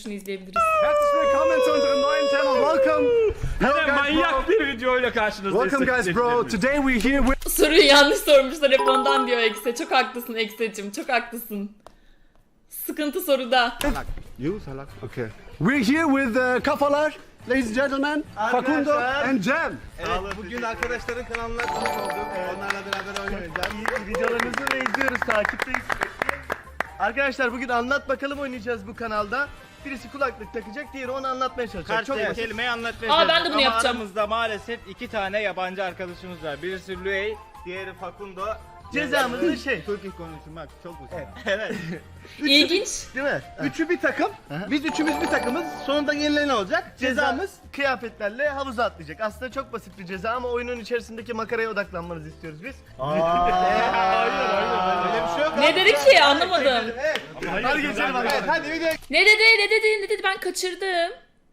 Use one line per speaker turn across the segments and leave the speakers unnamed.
şunu izleyebiliriz.
Herzlich willkommen zu unserem neuen Channel. Welcome.
Yine manyak bir videoyla karşınızdayız.
Welcome guys bro. Today we're here with...
Soruyu yanlış sormuşlar hep ondan diyor Ekse. Çok haklısın Ekse'cim, çok haklısın. Sıkıntı soruda.
You salak. Okay. We're here with kafalar. Ladies and gentlemen, Facundo and Cem.
Evet, bugün arkadaşların kanalına konuk olduk. Onlarla beraber oynayacağız.
Videolarınızı ve izliyoruz, takipteyiz. Arkadaşlar bugün anlat bakalım oynayacağız bu kanalda. Birisi kulaklık takacak, diğeri onu anlatmaya çalışacak. Çok
Karşı
basit.
kelimeyi anlatmayacağız.
Aa, ben de bunu
Ama
yapacağım.
aramızda maalesef iki tane yabancı arkadaşımız var. Birisi Luey, diğeri Facundo.
Cezamız da şey.
Türkçe konuşmak çok uzun. Evet.
İlginç.
Değil mi?
Üçü bir takım. Biz üçümüz bir takımız. Sonunda yenilen olacak.
Cezamız kıyafetlerle havuza atlayacak. Aslında çok basit bir ceza ama oyunun içerisindeki makaraya odaklanmanızı istiyoruz biz.
Hayır. Öyle bir şey yok.
Ne dedi ki anlamadım.
Evet.
Hadi geçelim
Evet,
bakalım.
hadi videoya
Ne dedi ben kaçırdım.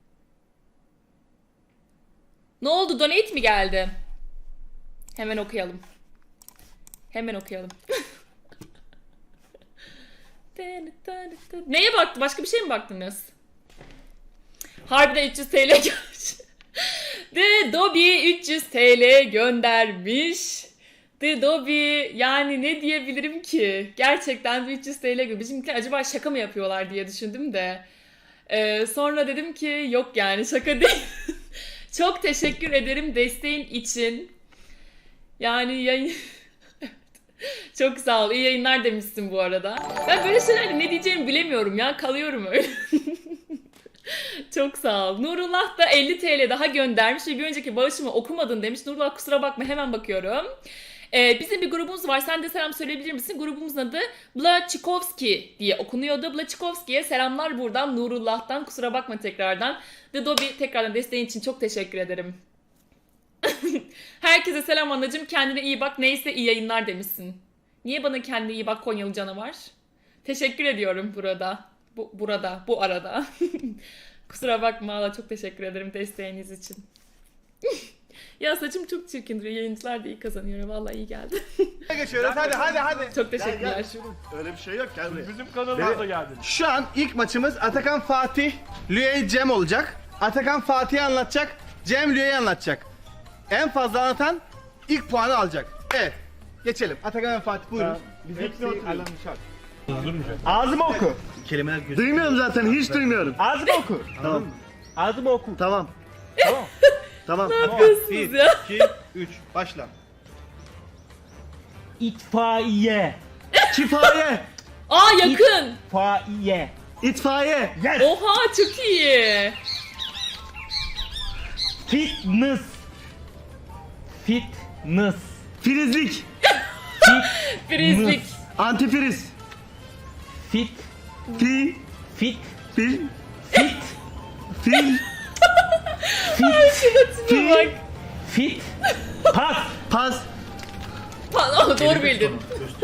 Ne oldu, donate mi geldi? Hemen okuyalım. Neye baktın? Başka bir şey mi baktınız? Harbiden 300 TL gelmiş. The Dobby 300 TL göndermiş. The Dobby, yani ne diyebilirim ki? Gerçekten bir 300 TL göndermiş. Bizimkiler acaba şaka mı yapıyorlar diye düşündüm de. Sonra dedim ki yok, yani şaka değil. Çok teşekkür ederim desteğin için. Yani yayın... Çok sağ ol. İyi yayınlar demişsin bu arada. Ben böyle şeylerde ne diyeceğimi bilemiyorum ya. Kalıyorum öyle. Çok sağ ol. Nurullah da 50 TL daha göndermiş ve bir önceki bağışımı okumadın demiş. Nurullah kusura bakma, hemen bakıyorum. Bizim bir grubumuz var. Sen de selam söyleyebilir misin? Grubumuzun adı Blachikovski diye okunuyordu. Blachikovski'ye selamlar buradan Nurullah'tan. Kusura bakma tekrardan. The Dobby, tekrardan desteğin için çok teşekkür ederim. Herkese selam anacığım. Kendine iyi bak. Neyse iyi yayınlar demişsin. Niye bana kendine iyi bak Konyalı canavar? Teşekkür ediyorum burada. Bu arada. Kusura bakma Allah, çok teşekkür ederim desteğiniz için. Ya saçım çok çirkin duruyor. Yayıncılar da iyi kazanıyor. Vallahi iyi geldi.
geçiyoruz. Hadi.
Çok teşekkürler.
Öyle bir şey yok, gel buraya.
Bizim kanalımıza geldin.
Şu an ilk maçımız Atakan Fatih, Luey Cem olacak. Atakan Fatih'i anlatacak, Cem Luey'i anlatacak. En fazla anlatan ilk puanı alacak. Evet. Geçelim. Atakan ve Fatih buyurun. Ağzıma oku.
Kelimeler gözüküyor. Duymuyorum zaten, hiç duymuyorum.
Ağzıma oku.
Tamam.
Ağzıma oku.
Tamam. Tamam.
Ne yapıyorsunuz ya?
2, 3, başla.
İtfaiye.
Kifaye.
Aa, yakın.
İtfaiye.
İtfaiye.
Oha, çok iyi.
Fitness. Fitness.
Filizlik.
Prizlik.
Antifriz.
Fit.
Fi.
Fit.
Fil.
Fit.
Fil.
Şuna bak.
Fit. Pas.
Pas.
Aa, doğru bildin.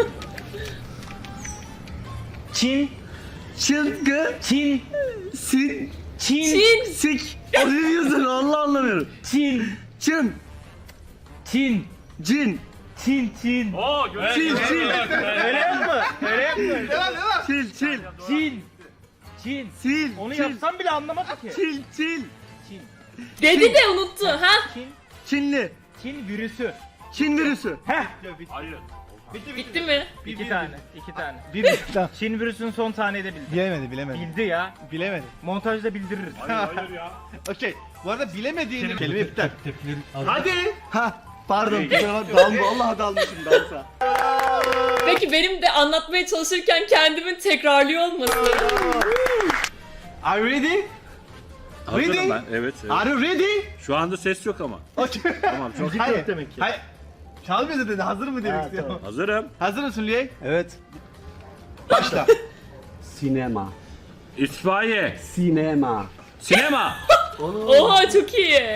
Çin.
Çılgı.
Çin.
Sin.
Çin.
Çin.
Sik. O ne diyorsun? Allah anlamıyorum.
Çin.
Çın.
Çin.
Cin.
Çin.
Oo,
Çil. Çil.
Öyle yapma. Devam.
Çil. Çil.
Çin. Çin.
Sil.
Onu
çil.
yapsam bile anlamadı ki.
Çil. Çil.
Çin.
Dedi de unuttu. Ha?
Çin.
Çinli.
Çin virüsü.
Çin virüsü.
Heh.
Hayır.
Bitti mi?
İki tane.
Bir tamam.
Çin virüsünün son taneyi de bildi.
Bilemedi.
Bildi ya.
Bilemedi.
Montajda bildiririz.
Hayır ya.
Okey. Bu arada bilemediğini kelime iptal.
Hadi. Ha. Pardon. Vallahi dalmışım dansa.
Peki benim de anlatmaya çalışırken kendimin tekrarlıyor olması.
Are you ready?
Hazırım
Ready?
ben. Evet.
Are you ready?
Şu anda ses yok ama.
Okay.
Tamam, çok
Hayır.
demek ki.
Hayır. Çalmıyor dedi. Hazır mı demek istiyorum.
hazırım.
Hazır mısın Luey?
Evet.
Başla.
Sinema.
İtfaiye.
Sinema.
Sinema.
Oha, çok iyi.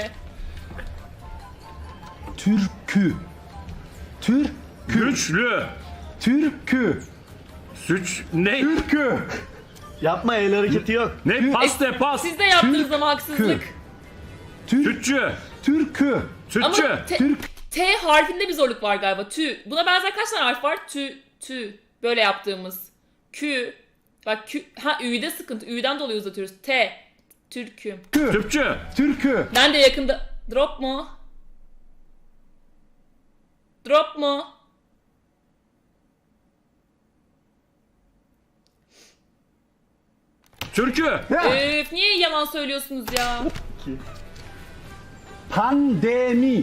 Türkü.
Güçlü.
Türkü.
Süç. Ne?
Türkü.
Yapma, el hareketi yok.
Ne? Pas de pas.
Siz de yaptınız ama haksızlık.
Sütçü.
Türkü.
Ama
Sütçü.
T harfinde bir zorluk var galiba. Tü. Buna benzer kaç tane harf var? Tü. Böyle yaptığımız. Kü. Bak Ü'de sıkıntı. Ü'den dolayı uzatıyoruz. T. Türküm.
Tüpçü.
Türkü.
Ben de yakında... Drop mu? Drop mu?
Türkü.
Öf, niye yalan söylüyorsunuz ya?
Pandemi.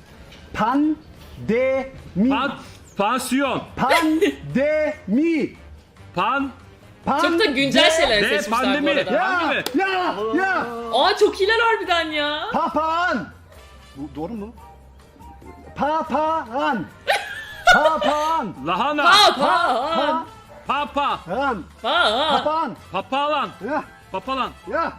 Pandemi.
Pansiyon.
Pandemi.
Çok da güncel şeyler
Ne?
seçmişler bu
Pandemi.
arada.
Ya, ya.
Aa çok iyiler harbiden ya.
Papağan. Bu doğru mu? Papağan. Papağan.
Lahana.
Papağan.
Papa.
Papağan.
Papağan.
Papağan.
Papalan.
Ya,
Papalan.
ya.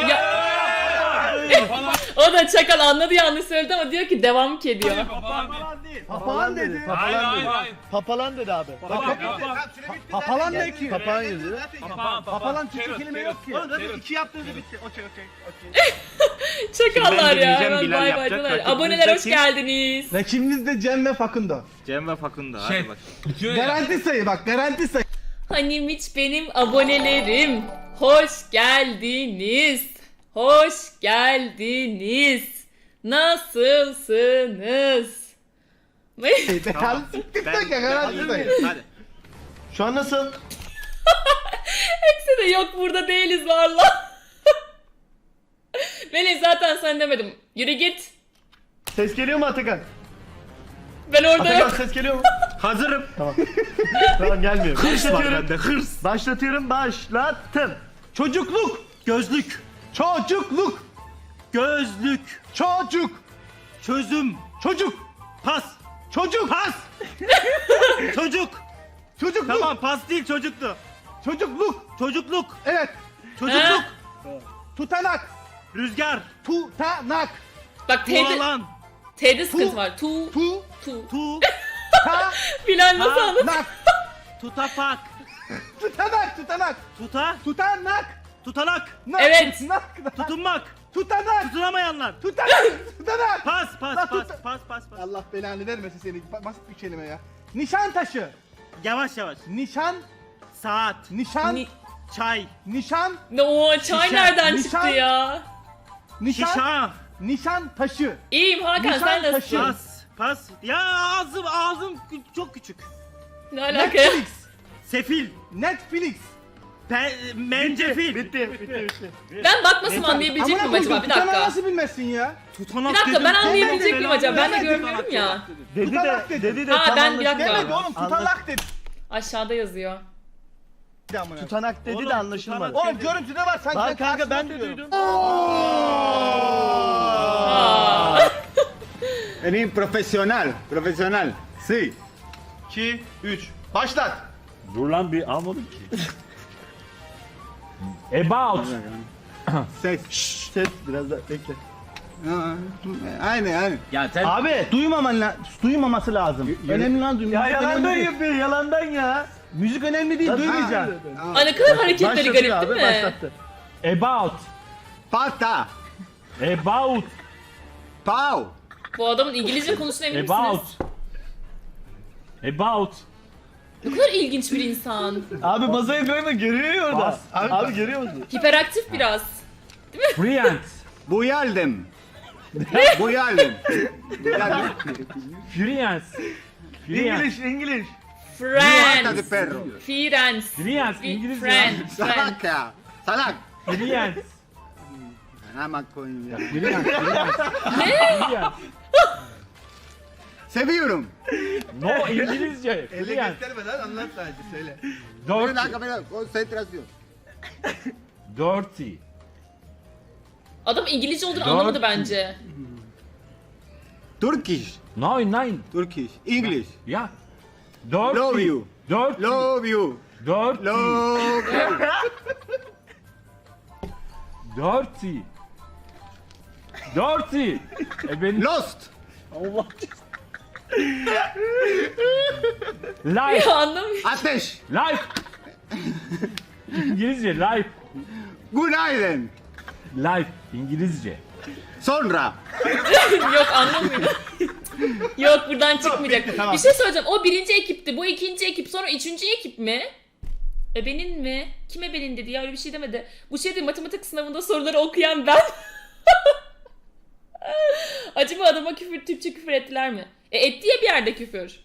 O da çakal anladı, yanlış söyledi ama diyor ki devam ki ediyor.
Papağan dedi.
Papalan dedi abi.
Papalan ne ki?
Papağan yazıyor.
Papalan Türkçe kelime yok ki.
Oğlum zaten 2 yaptığınızda bitti. Okey.
Çakallar ya.
deneyeceğim,
Hemen
Bilal
bay bay
yapacak.
diyorlar.
Rakibimiz
Aboneler hoş
kim?
geldiniz.
Rakibimiz de Cem ve Fakundo.
Cem ve Fakundo. Hadi bak.
Garanti sayı bak, garanti sayı.
Hanim hiç benim abonelerim. Hoş geldiniz. Hoş geldiniz. Nasılsınız?
Garanti siktikten ya, garanti sayı.
Hadi.
Şu an nasıl?
Hepsi de yok, burada değiliz valla. Melih zaten sen demedim. Yürü git.
Ses geliyor mu Atakan?
Ben orada
Atakan
yok.
ses geliyor mu?
Hazırım.
Tamam gelmiyor.
Hırs var
Başlatıyorum.
bende. Hırs.
Başlatıyorum. Başlattım.
Çocukluk.
Gözlük.
Çocukluk.
Gözlük.
Çocuk.
Çözüm.
Çocuk.
Pas.
Çocuk.
Pas. Çocuk.
Çocukluk.
Tamam pas değil çocuktu.
Çocukluk.
Çocukluk.
Evet.
Çocukluk.
Tutanak.
Rüzgar.
Tutanak.
Bak T'de,
Tuğalan.
T'de sıkıntı var. Tu.
Tu.
Tu.
Ta.
Bilal nasıl anladın?
Nak.
Tutapak.
Tutanak. Tutanak.
Tuta.
Tutanak.
Tutanak.
Nak.
Evet.
Nak.
Tutunmak.
Tutanak.
Tutunamayanlar.
Tutanak. Tutanak.
Pas pas
Lan
pas
tut-
pas pas pas.
Allah belanı vermesin seni. Basit bir kelime ya. Nişantaşı.
Yavaş yavaş.
Nişan.
Saat.
Nişan.
Ni-
Çay.
Nişan.
O çay
Şişe,
nereden
nişan.
çıktı ya?
Nişan.
Şişa.
Nişan taşı.
İyiyim Hakan,
Nişan
sen nasılsın?
taşı.
Pas. Pas. Ya ağzım çok küçük.
Ne alaka ya?
Netflix.
Sefil.
Netflix.
Mencefil.
Bitti.
Ben bakmasam anlayabilecek miyim acaba? Bir
tutanağı
dakika.
nasıl bilmezsin ya?
Tutanak
Bir dakika,
dedim.
ben anlayabilecek miyim
Belanı
acaba? Ben de
versin.
görmüyorum ya.
Tutanak dedi.
Dedi de
Ha,
tam
ben bir
anlaşıldı.
dakika.
Demedi oğlum tutanak dedi.
Aşağıda yazıyor.
Tutanak dedi
Oğlum,
de anlaşılmadı.
tutanak-
Oğlum görüntüde var sanki.
Lan kanka ben de
karşıma
duydum.
Aa.
Eres profesional. Profesional. Sí.
2, 3. Başlat.
Dur lan bir almadım ki.
About.
Ses.
Ses biraz da bekle.
Aynen.
Ya sen
Abi duymaması lazım. Önemli lan duymaması.
Ya yalandan
önemli değil.
yapıyor yalandan ya.
Müzik önemli değil, duymayacağım.
Ay ne kadar hareketleri
Başlatıyor
garip
abi
değil mi?
başlattı.
about.
Pata.
About.
Pau.
Bu adamın İngilizce konuştuğuna emin
About.
misiniz?
About.
Ne kadar ilginç bir insan.
Abi masayı böyle görüyor ya orada.
Bas.
Abi görüyor musun?
Hiperaktif biraz.
Brilliant.
Buyaldım. Buyaldım.
Brilliant. Brilliant.
İngiliz.
Pata de
Friends.
perro.
Friends.
Brilliant. İngilizce.
Friends. Friends.
Salak ya. Salak.
Brilliant.
Ama koyayım ya.
Brilliant.
Seviyorum.
No İngilizce.
Elle
Brilliant.
göstermeden anlat sadece söyle.
Bir
Dirty.
dakika bir dakika. Konsantrasyon.
Dirty.
Adam İngilizce olduğunu anlamadı bence.
Turkish.
No, nine.
Turkish. English.
Yeah. Dirty.
Love you.
Dirty.
Love you.
Dirty.
Love you.
Dirty. Dirty. Ben
Lost.
life.
Ya anlamıyorum.
Ateş.
Life. İngilizce life.
Günaydın.
Life. İngilizce.
Sonra.
Yok anlamıyorum. Yok buradan çıkmayacak. Bir şey söyleyeceğim. O birinci ekipti. Bu ikinci ekip. Sonra üçüncü ekip mi? Ebenin mi? Kim ebenin dedi ya, öyle bir şey demedi. Bu şey değil, matematik sınavında soruları okuyan ben. Acaba adama Türkçe küfür ettiler mi? Etti ya bir yerde küfür.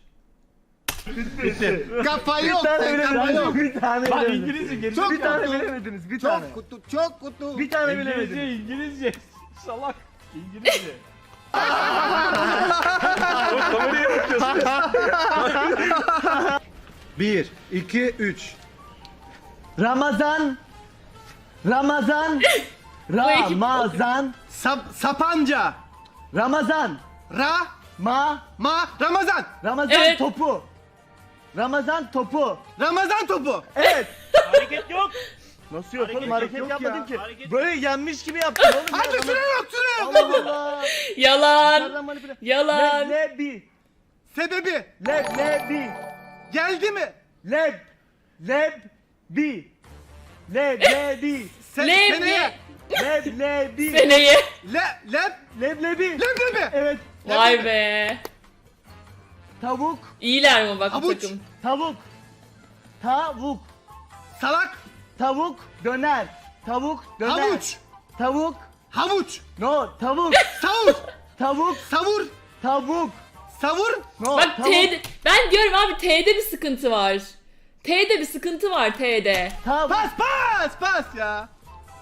Kafa
Bir
yok.
tane
Kafa yok.
bilemediniz. Bir tane
Bak
bilemediniz.
İngilizce geri.
Çok
Bir tane
kutu.
bilemediniz. Bir tane.
Çok kutu. Çok kutu.
Bir tane
İngilizce,
bilemediniz.
İngilizce. Salak. İngilizce. Kameraya bakıyorsun.
1, 2, 3.
Ramazan. Ramazan. Ramazan.
Sapanca.
Ramazan.
Ma. Ramazan.
Ramazan
Evet.
topu. Ramazan topu.
Ramazan topu.
Evet.
Hareket yok.
Nasıl yok oğlum?
Hareket
Hareket
yok
yapmadın
ya.
ki.
Hareket
Böyle yenmiş gibi yaptın oğlum.
Hadi
ya.
süre yok süre yok.
Allah Allah.
Yalan.
Nereden manipüle?
Yalan.
Leblebi.
Sebebi.
Leblebi.
Geldi mi?
Leblebi. Leblebi.
Seneye.
Leblebi.
Seneye.
Leblebi.
Leblebi.
Evet.
Vay be.
Tavuk.
İyiler mi bak bu
Havuç.
takım?
Tavuk. Tavuk.
Salak.
Tavuk döner. Tavuk döner.
Havuç.
Tavuk.
Havuç.
No, tavuk.
Savur.
Tavuk.
Savur.
Tavuk.
Savur.
No,
Bak
tavuk.
T'de, ben diyorum abi T'de bir sıkıntı var. T'de bir sıkıntı var T'de.
Tavuk.
Pas ya.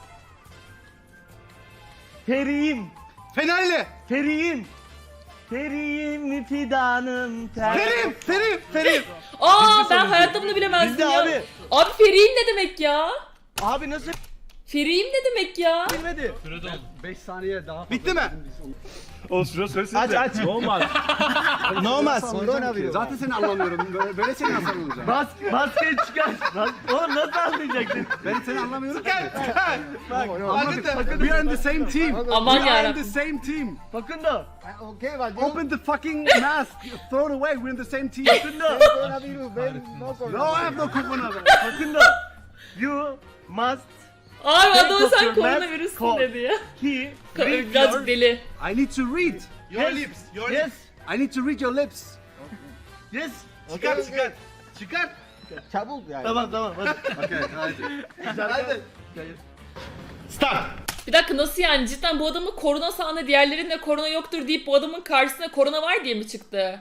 Feriğim.
Fenerli.
Feriğim. Feriğim fidanım.
Ferim.
Aa ben hayatta bunu bilemezdim
Bizde
ya.
abi.
Abi Feriğim ne demek ya?
Abi nasıl
Feriğim ne demek ya?
bilmedi?
5 saniye daha fazla.
Bitti mi?
O şurası söylesene.
Aç.
Olmaz.
Olmaz.
Zaten seni anlamıyorum. Böyle seni nasıl anlayacağım?
Maskeyi çıkar. Oğlum nasıl anlayacaksın?
Ben seni anlamıyorum.
Bak.
We are in the same team.
Aman
We are in
yarabbim.
the same team.
Fakundo.
Open the fucking mask. Throw it away. We're in the same team.
Fakundo.
No, I have no coronavirus.
Fakundo. You must
Abi adamı sen
Dr.
koronavirüsün
Matt
dedi ya.
he read
Birazcık
your...
deli.
I need to read.
Your lips. Your lips.
Yes.
I need to read your lips.
Yes.
Çıkar.
Tamam hadi.
Okay, hadi.
Start.
Bir dakika nasıl yani, cidden bu adamın korona sahne diğerlerinde korona yoktur deyip bu adamın karşısına korona var diye mi çıktı?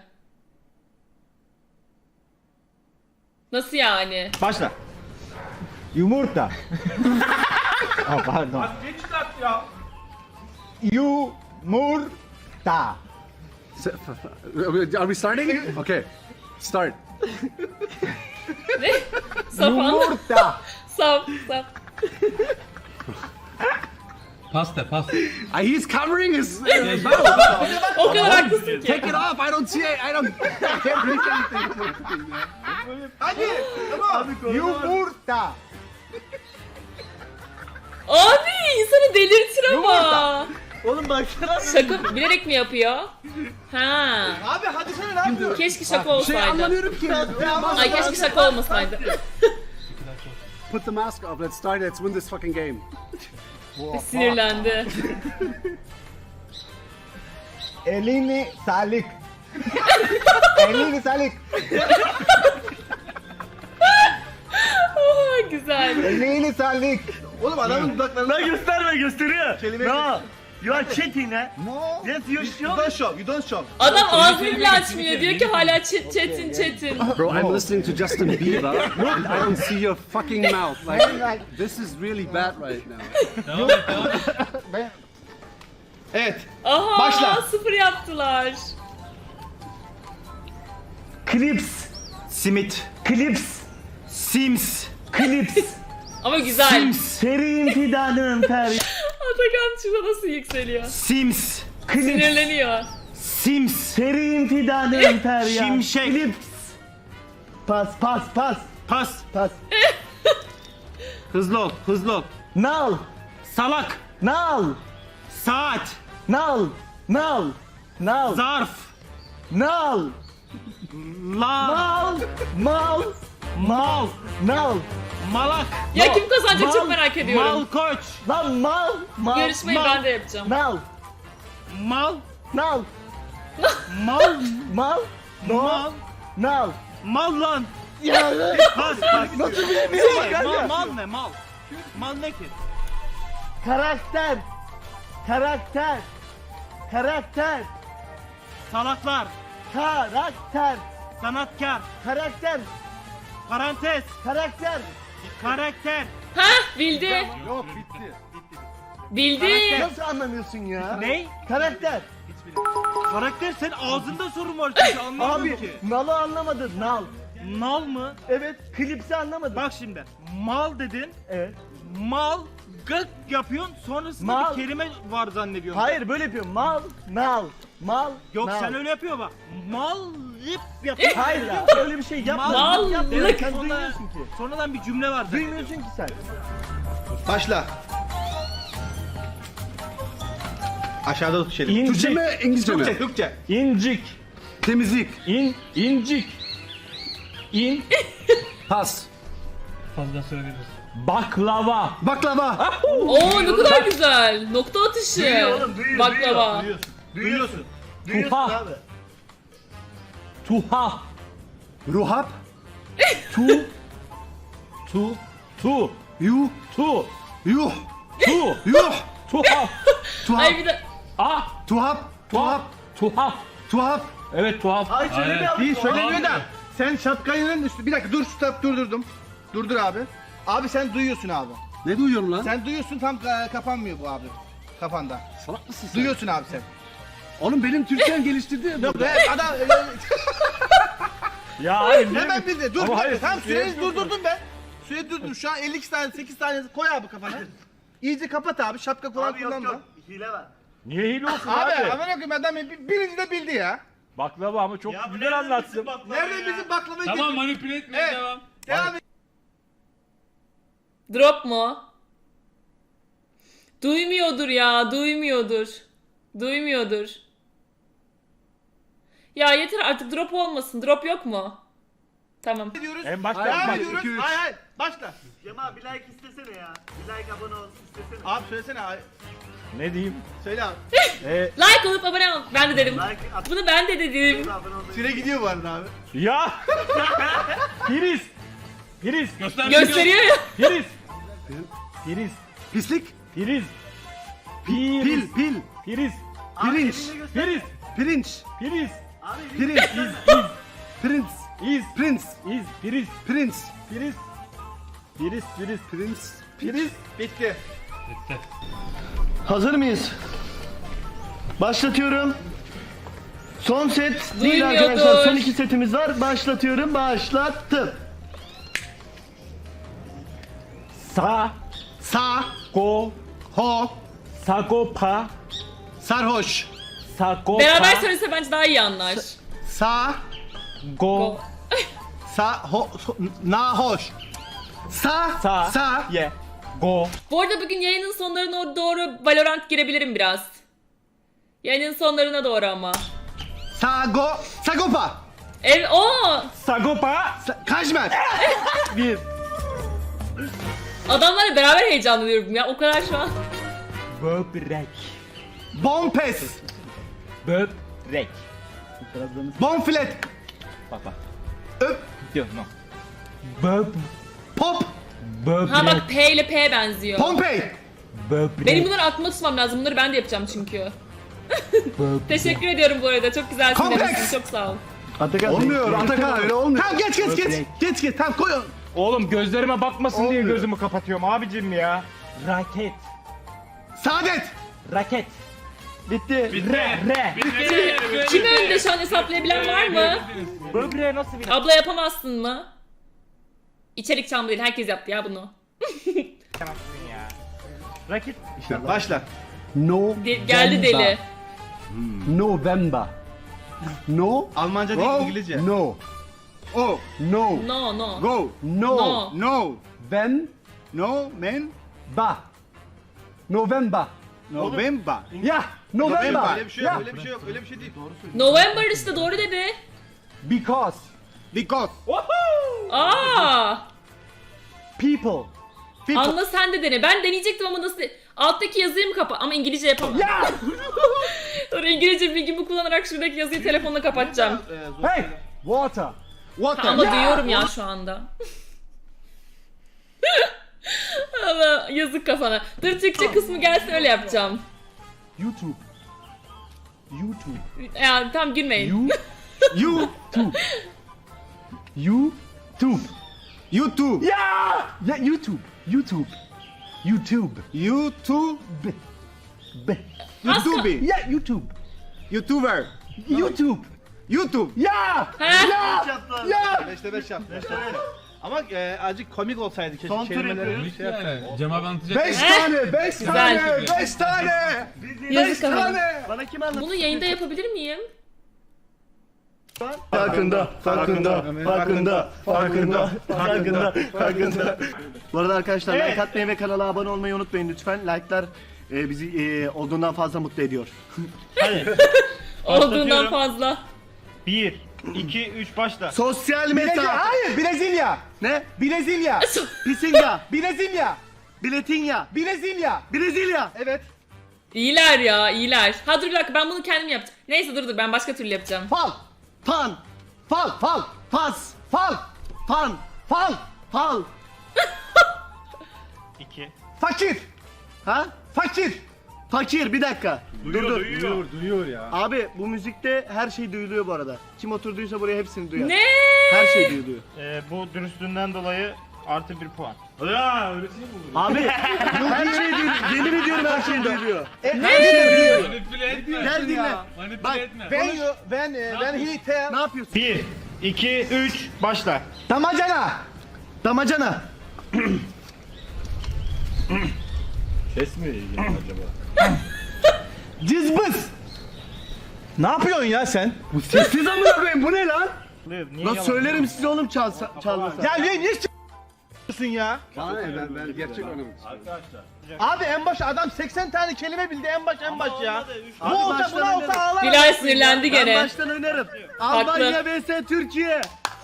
Nasıl yani?
Başla.
Yumurta. Pardon.
Geç çıkart ya.
Yumurta.
Are we starting? Okay. Start.
Ne? Sapan.
Yumurta.
Sap.
He's covering his mouth.
O kadar haklısın ki.
Take it off. I don't see it. I can't read anything.
Hadi. Tamam.
Yumurta.
Abi insanı delirtir ama.
Oğlum baksana.
Şaka bilerek mi yapıyor? Ha.
Abi hadi sen ne yapıyorsun?
Keşke şaka
Şey
olsaydı.
anlamıyorum ki.
Ay keşke şaka olmasaydı.
Put the mask off. Let's start. Let's win this fucking game.
Sinirlendi.
Elini salik. Elini salik.
Aa, güzel.
Elini salik.
Oğlum adamın dudaklarını...
Lan gösterme gösteriyor.
Kelime-
No. You are cheating ha.
No.
Yes you
You
show.
don't show. You don't show.
Adam ağzını bile açmıyor. Diyor ki hala çetin.
Bro, I'm listening to Justin Bieber. And I don't see your fucking mouth. Like, this is really bad right now.
Evet.
Aha
Başla.
0 yaptılar.
Clips.
Simit.
Clips.
Sims.
Clips.
Ama güzel.
Serin fidanım ter.
Atakan şurada nasıl yükseliyor?
Sims.
Clips.
Sinirleniyor.
Sims.
Serin fidanım ter ya.
Şimşek.
Clips. Pas.
Pas.
Pas.
Hızlı ol.
Nal.
Salak.
Nal.
Saat.
Nal.
Zarf.
Nal.
La.
Mal. Nal.
Malak.
Ya kim kazanacak çok
Mal-
merak ediyorum.
Malkoç.
Lan mal.
Yarışmayı ben de yapacağım.
Nal.
Mal.
No.
Mal.
Nal.
Mal.
Nal.
Mal lan.
Ya
Pas.
nasıl bilemiyorum bak
Mal,
kanka.
mal ne mal? Mal ne ki?
Karakter. Karakter. Karakter.
Salaklar,
Karakter.
sanatkar,
Karakter.
parantez,
Karakter.
karakter.
Hah bildi.
Yok bitti.
Bildi.
Nasıl anlamıyorsun ya?
Ne?
Karakter.
Karakter sen ağzında sorun var çünkü anlamadım
Abi
ki.
nalı anlamadın. Nal.
Nal mı?
Evet. Klipsi anlamadın.
Bak şimdi mal dedin,
Evet.
mal gık yapıyorsun sonrasında
Mal.
bir kelime var zannediyorsun.
Hayır böyle yapıyorum. Mal. Nal. Mal.
Yok
nal.
sen öyle yapıyor bak. Mal lip yapıyorsun.
Hayır ya. Öyle bir şey yapma.
Mal.
Evet, sen
Sonra-
duymuyorsun ki.
Sonradan bir cümle var zaten.
Duymuyorsun ki sen.
Başla. Aşağıda tut şeyi.
Türkçe mi İngilizce mi?
Türkçe, Türkçe.
İncik.
Temizlik.
İncik.
Pas.
Baklava.
Baklava.
Oo ne kadar güzel. Nokta atışı. Baklava.
Duyuyorsun.
Tuhaf.
abi.
Tuhaf.
Ruhap.
Tu. Tu.
Yuh.
Tu.
Yuh.
Tu.
Yuh.
Tuhaf.
Tuhaf.
Ay bir de
Ah.
Tuhaf. Tuhaf.
Tuhaf.
Tuhaf.
Evet tuhaf.
Hayır söylemiyor abi. Değil söylemiyor da. Sen şapkanın üstü. Bir dakika dur stop durdurdum. Durdur abi. Abi sen duyuyorsun abi.
Ne duyuyorum lan?
Sen duyuyorsun tam kapanmıyor bu abi. Kafanda.
Salak mısın sen?
Duyuyorsun abi sen.
Oğlum benim Türkçem geliştirdi.
Evet adam
Ya hayır.
hemen bildi. Dur.
Ama hayır,
Tam
süreyi
süreyi durdurdum ben. Süreyi durdurdum. Şu an 52 tane 8 tane koy abi kafana. İyice kapat abi. Şapka falan kullanma.
Niye hile olsun
Abi
abi?
aman okuyayım adam birinci de bildi ya.
Baklava ama çok güzel anlatsın.
Nerede bizim baklavayı
Tamam manipüle etmeye
Evet.
devam.
Devam et.
drop mu? Duymuyordur ya. Duymuyordur. Duymuyordur. Ya yeter artık drop olmasın. Drop yok mu? Tamam.
Ediyoruz.
En başta
Hayır,
Devam
bak.
hayır.
ediyoruz.
iki, üç.
Hayır hayır. Başla.
Cema bir like istesene ya. Bir like abone ol istesene.
Abi söylesene abi.
Ne diyeyim?
Söyle abi.
Like olup abone ol. Ben de dedim.
Like at
Bunu ben de dedim.
abone ol.
Süre gidiyor bu arada abi.
Ya. Priz. Priz.
Gösteriyor ya.
Priz. Priz.
Pislik.
Priz.
Pil. Pil.
Priz.
Pirinç.
Priz.
Pirinç.
Priz.
Abi
Pirinç. Prince.
İz.
Prince.
İz. Priz.
Prince.
Priz. Priz. Priz.
Prince.
Priz.
Bitti.
Hazır mıyız? Başlatıyorum. Son set değil
Duymuyordur.
arkadaşlar. Son 2 setimiz var. Başlatıyorum. Başlattım. Sa.
Sağ.
Go.
Ho.
Sagopa.
Sarhoş.
Sagopa.
Beraber söylese bence daha iyi anlar.
Sağ.
Go.
Nahoş. Sağ.
Sa.
Sağ.
Ye. Go.
Bu arada bugün yayının sonlarına doğru Valorant girebilirim biraz. Yayının sonlarına doğru ama.
Sago. Sagopa.
O
Sagopa.
Kajmer.
Bir.
adamlarla beraber heyecanlanıyorum ya. O kadar şu an.
Böbrek.
Bompes.
Böbrek.
Bonfilet.
Bak bak.
Öp.
Diyor no. Böb.
Pop.
Böbrek.
Ha bak P ile P benziyor.
Pompey.
Böbrek.
Benim bunları aklımda tutmam lazım. Bunları ben de yapacağım çünkü. Teşekkür ediyorum bu arada. Çok güzelsin
Kompleks.
demişsin. Çok sağ ol.
Atakan.
Olmuyor. Atakan öyle olmuyor.
Tamam geç. Geç. Tamam koy onu.
Oğlum gözlerime bakmasın diye gözümü kapatıyorum abicim ya. Raket.
Saadet.
Raket. Bitti. Re.
Kim önde şu an hesaplayabilen var mı?
Böbreğe nasıl bir
Abla yapamazsın mı? İçerik çamı değil. Herkes yaptı ya bunu.
ya? Raket.
Başla.
No.
Geldi deli.
November. No.
Almanca değil
Go.
İngilizce.
No.
O.
No.
No no.
Go.
No.
No.
No.
When.
No. Men.
Ba. November.
November.
Ya. November.
Öyle bir şey yok. Öyle bir şey yok. Öyle bir şey değil.
November işte doğru dedi.
Because.
Because.
Aa!
People.
Anla sen de dene. Ben deneyecektim ama nasıl? Alttaki yazıyı mı kapa? Ama İngilizce yapamam.
Ya.
Sonra İngilizce bilgimi kullanarak şuradaki yazıyı telefonla kapatacağım.
Hey. Water.
Water.
Ama duyuyorum ya şu anda. Allah yazık kafana. Dur Türkçe kısmı gelsin öyle yapacağım.
YouTube. YouTube.
Yani tam gülmeyin.
YouTube. YouTube.
YouTube.
Ya YouTube. YouTube. YouTube.
YouTube.
Be.
YouTube.
Ya YouTube.
YouTuber.
YouTube.
YouTube.
Ya.
He?
Ya.
5'te 5 yap. Ama azıcık komik olsaydı keşke
Son tur
kelimeleri
yapıyoruz.
şey yapsaydı.
Cem abi anlatacak.
5
He?
tane, 5
Güzel.
tane, 5 tane.
Yazık kafana.
tane.
Bana kim anlattı?
Bunu yayında yapabilir miyim?
Farkında. Bu arada arkadaşlar like atmayı ve kanala abone olmayı unutmayın lütfen. Like'lar bizi olduğundan fazla mutlu ediyor.
Olduğundan
Başlatıyorum.
fazla.
1, 2, 3 başla.
Sosyal
Brezilya,
meta.
hayır Brezilya.
Ne?
Brezilya.
Pisinga.
Brezilya.
Biletinya.
Brezilya.
Brezilya.
Evet.
İyiler ya iyiler. Ha dur bir dakika ben bunu kendim yapacağım. Neyse dur ben başka türlü yapacağım.
Fal.
Pan.
Fal. Fal.
Pas.
Fal.
Pan.
Fal.
Fal.
2.
Fakir.
Ha?
Fakir.
Fakir bir dakika.
Duyuyor.
Duyuyor ya.
Abi bu müzikte her şey duyuluyor bu arada. Kim oturduysa buraya hepsini duyar.
Ne?
Her şey duyuluyor.
Bu dürüstlüğünden dolayı artı 1 puan. Ya öylesine mi olur?
Abi her şey duyuluyor. Yemin ediyorum her şey duyuluyor.
Manipüle etme.
Gel dinle.
Manipüle
Bak,
etme.
When he tell.
Ne yapıyorsun?
1, 2, 3 başla.
Damacana.
Damacana.
Cızbız. Ne yapıyorsun ya sen?
Sessiz amına koyayım bu ne lan?
Niye
Lan
yalan?
söylerim size oğlum çalmasa.
Ya niye s***sın ya?
Bana ne ben gerçek oynamak istiyorum.
Abi en baş adam 80 tane kelime bildi en baş ya.
Abi
Bu olsa
baştan
buna olsa
oynarım.
ağlar.
Bilal sinirlendi
Ben
gene.
baştan oynarım. Almanya vs Türkiye.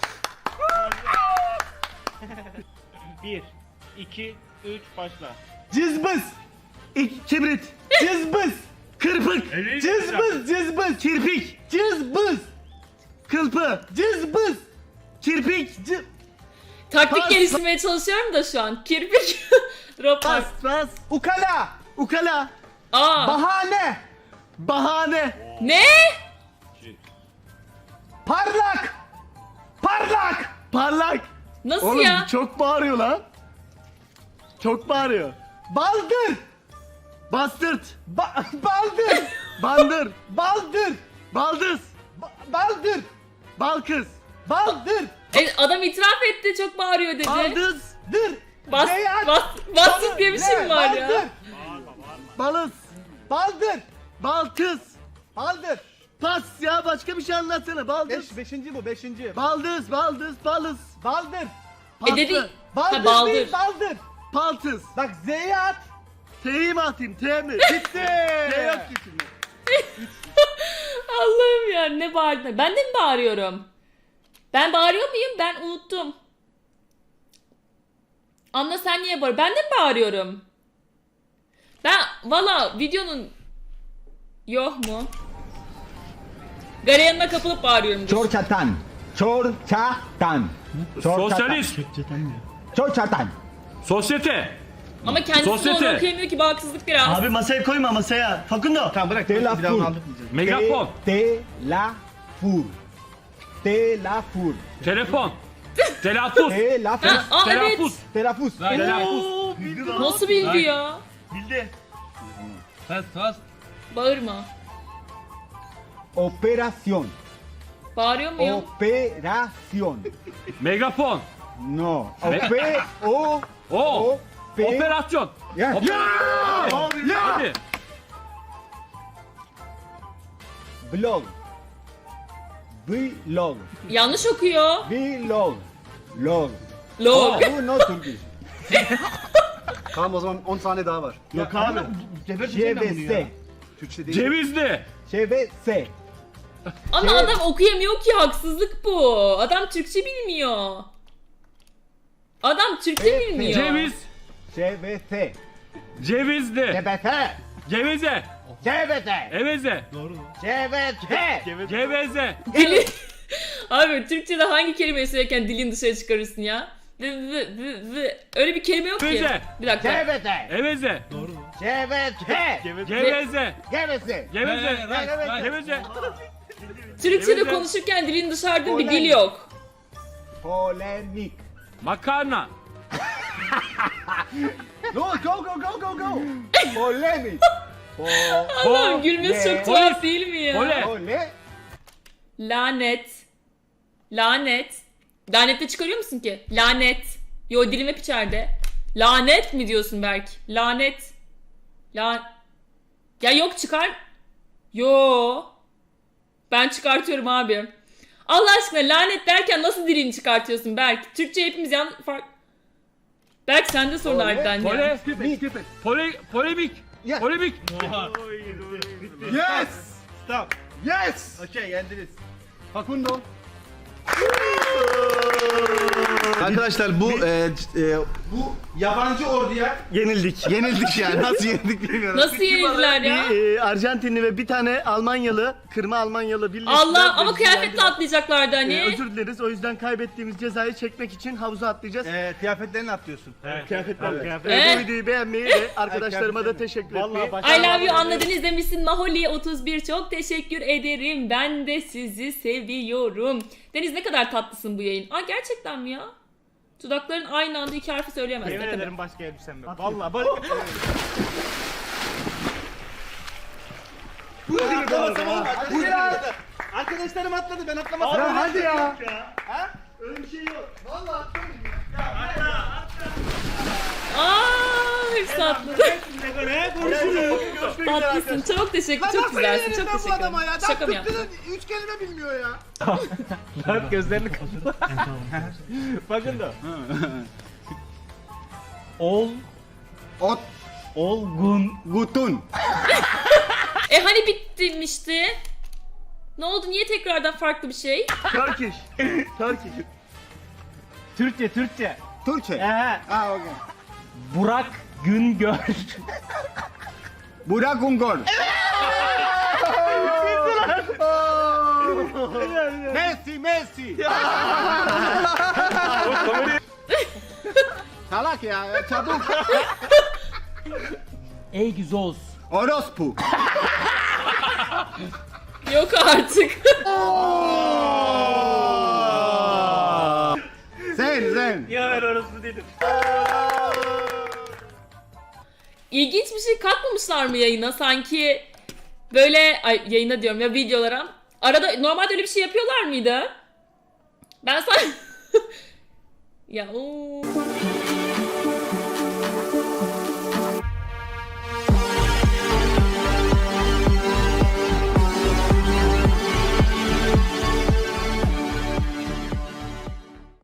1, 2, 3 başla.
Cızbız.
Kibrit.
Cızbız.
Kırpık.
Cızbız. Cızbız.
Kirpik.
Cızbız.
Kılpı.
Cızbız.
Kirpik.
Taktik
Pas.
geliştirmeye çalışıyorum da şu an. Kirpik. Drop
Pas. Pas.
Ukala.
Ukala.
Aa.
Bahane.
Bahane.
Ne?
Parlak. Parlak.
Parlak.
Nasıl
Oğlum
ya?
çok bağırıyor lan. Çok bağırıyor.
Baldır.
Bastırt.
Baldır.
Bandır.
Baldır.
Baldız.
Baldır.
Balkız.
Baldır.
Adam itiraf etti çok bağırıyor dedi.
Baldız.
Dır.
Bas,
Beyaz.
bassız diye bir şey mi var
Baldır.
ya?
Balız.
Baldır.
Balkız.
Baldır.
Pas ya başka bir şey anlatsana. Baldız.
Beşinci bu beşinci.
Baldız. Balız.
Baldır.
Pastı.
Dedi.
Baldır
Ha, baldır.
değil baldır.
Paltız.
Bak Z'ye at.
T'yi mi atayım? T mi?
Bitti.
T yok ki şimdi.
Allah'ım ya ne bağırdın? Ben de mi bağırıyorum? Ben bağırıyor muyum? Ben unuttum. Anla sen niye bağır? Ben de mi bağırıyorum? Ben valla videonun yok mu? Gareyanına kapılıp bağırıyorum.
Çorçatan. Çorçatan.
Sosyalist.
Çorçatan.
Sosyete.
Ama kendisi de
Sosyete.
onu okuyamıyor ki bu haksızlık biraz.
Abi masaya koyma masaya. Fakundo.
Tamam bırak.
De la
Bir daha
fur.
onu anlatmayacağız.
Megafon.
Telafur. Telafur.
Telefon. Telaffuz.
Telafur.
Ha, aa evet.
Telaffuz.
Telafuz.
Oo, bildi lan.
Nasıl bildi ya?
Bildi.
Tas.
Bağırma.
Operasyon.
Bağırıyor muyum?
Operasyon.
Megafon.
No.
O. Operasyon.
Ya.
Hadi.
Blog. Vlog.
Yanlış okuyor.
Vlog. Log.
Log.
Bu no Turkish.
Tamam o zaman 10 saniye daha var.
Yok abi.
ŞVS.
Türkçe değil.
Cevizli.
ŞVS.
Ama adam okuyamıyor ki haksızlık bu. Adam Türkçe bilmiyor. Adam Türkçe bilmiyor.
Ceviz.
ŞVS.
Cevizli.
ŞVS.
Cevize.
ŞVS.
Eveze.
ŞVS.
Geveze.
Dili... Abi Türkçe'de hangi kelimeyi söylerken dilin dışarı çıkarırsın ya? Öyle bir kelime yok ki.
Geveze.
Bir dakika.
Geveze.
Eveze.
Geveze.
Geveze.
Geveze.
Geveze.
Right.
Geveze.
Türkçe'de
Geveze.
konuşurken dilin dışarıda bir dil yok.
Polemik.
Makarna.
No, go go go go go.
Polemik.
Allah'ım gülmesi çok tuhaf değil mi ya?
Pole.
Pole.
Lanet. Lanet. Lanette çıkarıyor musun ki? Lanet. Yo dilim hep içeride. Lanet mi diyorsun Berk? Lanet. Ya yok çıkar. Yo. Ben çıkartıyorum abi. Allah aşkına lanet derken nasıl dilini çıkartıyorsun Berk? Türkçe hepimiz Berk sende sorun harbiden ya.
Pole.
Skip it, skip it.
Polemik.
Yes.
Polemik.
Yes.
Stop.
Yes.
Okey yendiniz.
Facundo.
Arkadaşlar bu yabancı orduya
Yenildik.
yenildik yani. Nasıl yenildik bilmiyorum.
Nasıl yenildiler ya?
Bir Arjantinli ve bir tane Almanyalı, kırma Almanyalı birleştiler.
Allah ama
Ve
kıyafetle
yendiler.
atlayacaklardı hani.
Özür dileriz. O yüzden kaybettiğimiz cezayı çekmek için havuza atlayacağız.
Kıyafetlerini atlıyorsun.
Kıyafetler.
Evet.
Bu videoyu beğenmeyi ve arkadaşlarıma da teşekkür etmeyi.
I love you anladınız demişsin Maholi 31 çok teşekkür ederim. Ben de sizi seviyorum. Deniz ne kadar tatlısın bu yayın. Aa gerçekten mi ya? Dudakların aynı anda iki harfi söyleyemez.
Yemin
Ne kadar?
ederim başka elbisem yok. Vallahi bak.
Arkadaşlarım atladı ben atlamasam.
Ya hadi ya.
Öyle bir şey yok. Vallahi atlamayın.
Aa hepsi tatlı.
Ne konuşuyorsun?
Tatlısın. Çok teşekkür. Çok güzelsin. Çok teşekkür ederim. Şaka mı yaptın?
3 kelime bilmiyor ya.
Lan gözlerini kapat. Bakın da.
Ot.
Olgun.
Gutun.
Hani bitmişti? Ne oldu? Niye tekrardan farklı bir şey?
Turkish. Turkish.
Türkçe.
Türkçe.
Ehe.
Ah, okay.
Burak Güngör.
Burak Ungor. Messi. Salak ya çabuk.
Ey güzoz.
Orospu.
Yok artık.
Sen.
Ya ben orası dedim.
İlginç bir şey katmamışlar mı yayına? Sanki böyle yayına diyorum ya videolara. Arada normalde öyle bir şey yapıyorlar mıydı? Ben sanki ya